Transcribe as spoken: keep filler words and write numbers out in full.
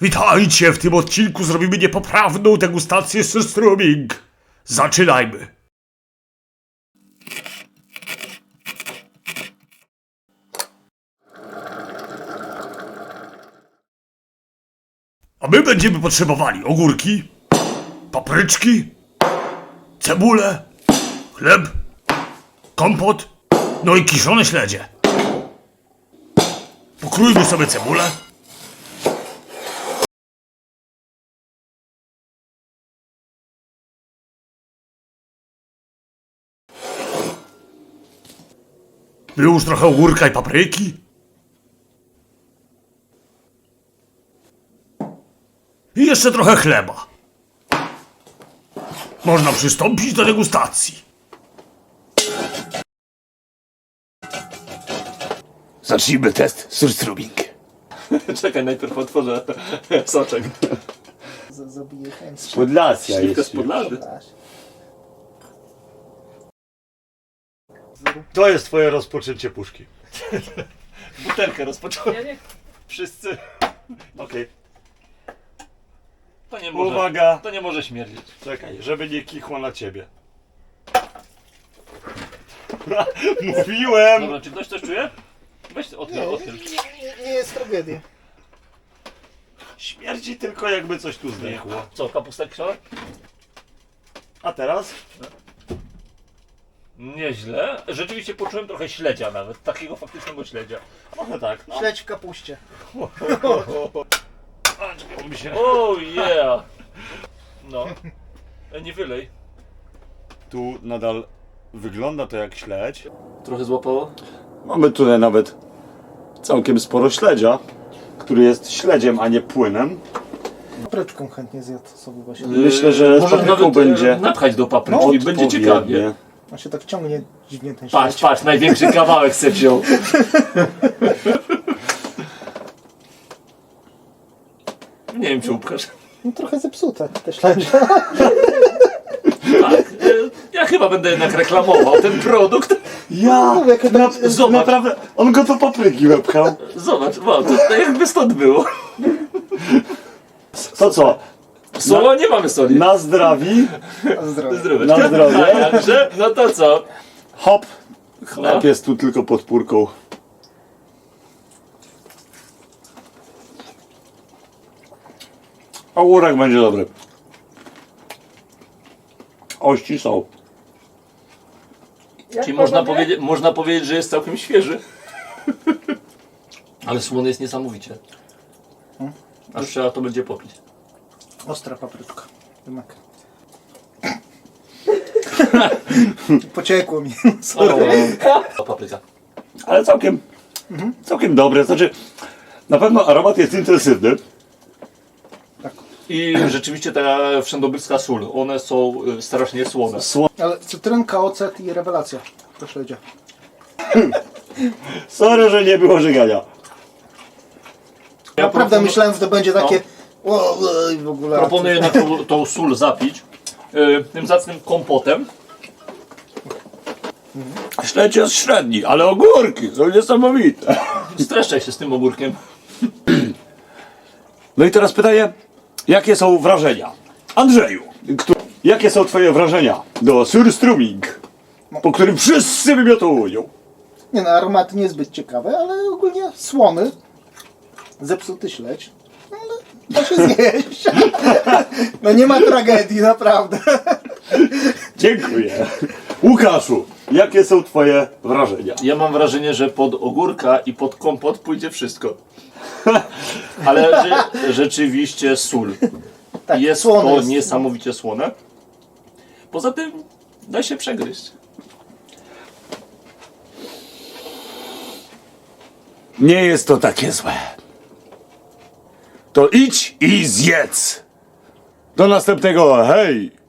Witajcie! W tym odcinku zrobimy niepoprawną degustację surströmming. Zaczynajmy! A my będziemy potrzebowali ogórki, papryczki, cebulę, chleb, kompot, no i kiszone śledzie. Pokrójmy sobie cebulę. Wyłóż trochę ogórka i papryki. I jeszcze trochę chleba. Można przystąpić do degustacji. Zacznijmy test surströmming. Czekaj, najpierw otworzę soczek. Zabiję chęć. Podlasia Śliwka z jest. Podlady. To jest twoje rozpoczęcie puszki. Butelkę rozpocząłem. Ja nie... Wszyscy. Okej. To nie może, Uwaga. to nie może śmierdzieć. Czekaj, żeby nie kichło na ciebie. Mówiłem! Dobra, czy ktoś coś czuje? Weź Nie, otwórz, nie, otwórz. nie, nie jest tragedia. Śmierdzi tylko jakby coś tu zdechło. Co, kapusta kiszona? A teraz? Nieźle. Rzeczywiście poczułem trochę śledzia nawet. Takiego faktycznego śledzia. Trochę tak, no. Śledź w kapuście. A, czekaj, mi się... Oh yeah! No. E, nie wylej. Tu nadal wygląda to jak śledź. Trochę złapało? Mamy tutaj nawet całkiem sporo śledzia, który jest śledziem, a nie płynem. Papryczką chętnie zjadł sobie właśnie. Myślę, że z Może papryką nawet będzie e, napchać do papryki i będzie ciekawie. Odpowiednie. On się tak ciągnie dziwnie ten Patrz, śledź. patrz, największy kawałek se wziął. Nie wiem, czy upchasz. No trochę zepsute te śledzie. Tak. e, Ja chyba będę jednak reklamował ten produkt. Ja! Mówię, jak Na, Zobacz. naprawdę, on go do papryki wepchał. Zobacz, wow, to, to jakby stąd było. To co? Słowa nie mamy soli. Na zdrawi, Zdrowie. Zdrowie. na zdrowie. A jakże? No to co? Hop! Chleb No. jest tu tylko pod pórką. Ogórek będzie dobry. Ości są. Czyli można powiedzieć, można powiedzieć, że jest całkiem świeży. Ale słony jest niesamowicie. Aż trzeba to będzie popić. Ostra papryczka. Jednak. Pociekło mi. Sorry. O, papryka. Ale całkiem, całkiem dobre. Znaczy, na pewno aromat jest intensywny. I rzeczywiście ta wszędobylska sól, one są y, strasznie słone. Ale cytrynka, ocet i rewelacja. To śledzie. Sorry, że nie było żygania. Ja Naprawdę proponu- myślałem, że to będzie takie... O, o, i w ogóle... Proponuję na tą, tą sól zapić y, tym zacnym kompotem. Śledź jest średni, ale ogórki są niesamowite. Streszczaj się z tym ogórkiem. No i teraz pytanie, jakie są wrażenia? Andrzeju, któ- jakie są twoje wrażenia do surströmming, po którym wszyscy wymiotują? Nie no, aromaty niezbyt ciekawe, ale ogólnie słony. Zepsuty śledź. No, ale da się zjeść. No nie ma tragedii, naprawdę. Dziękuję. Łukaszu, jakie są twoje wrażenia? Ja mam wrażenie, że pod ogórka i pod kompot pójdzie wszystko. Ale że, rzeczywiście sól. Tak, Jest słony to jest. niesamowicie słone. Poza tym da się przegryźć. Nie jest to takie złe. To idź i zjedz. Do następnego, hej!